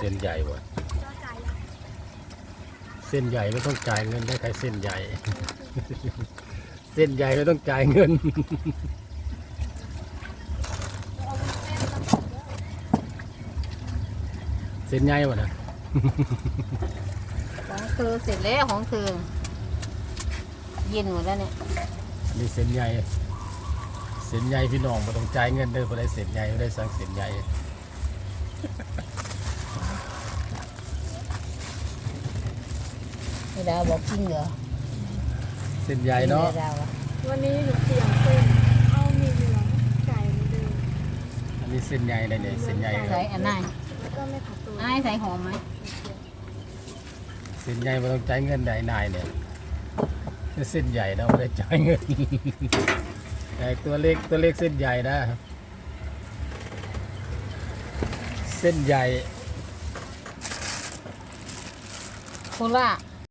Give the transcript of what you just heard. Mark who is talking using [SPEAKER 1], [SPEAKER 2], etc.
[SPEAKER 1] ส้นใหญ่วะเส้นใหญ่ไม่ต้องจ่ายเงินได้ใครเส้นใหญ่ เส้นใหญ่ไม่ต้องจ่ายเงิน เส้นใหญ่วะนะ
[SPEAKER 2] ของเธอเสร็จแล้วของเธอเย็นหมดแล้วเนี่ย
[SPEAKER 1] นี่เส้นใหญ่เส้นใหญ่พี่น้องไม่ต้องจ่ายเงินเด้อพอได้เส้นใหญ่ไม่ได้สั่งเส้นใหญ่
[SPEAKER 2] ไม่ดาวบอกจริงเหรอ
[SPEAKER 1] เส้นใหญ่เนาะ
[SPEAKER 2] ไม่ดาวอะ
[SPEAKER 3] วันนี้หนูเปลี่ยนเส้นเอามีเหลืองไก่เหมือนเดิม
[SPEAKER 1] อันนี้เส้นใหญ่เลยเนี่ยเส้นใหญ่
[SPEAKER 2] ใส่อันไหน
[SPEAKER 3] แล้วก็ไม่ผัดตัว
[SPEAKER 2] ไอ้ใส่หอมไหม
[SPEAKER 1] เส้นใหญ่ไม่ต้องจ่ายเงินได้นายเนี่ยเส้นใหญ่นะไม่ได้จ่ายเงิน แต่ตัวเล็กเส้นใหญ่นะเส้นใหญ่
[SPEAKER 2] โคราช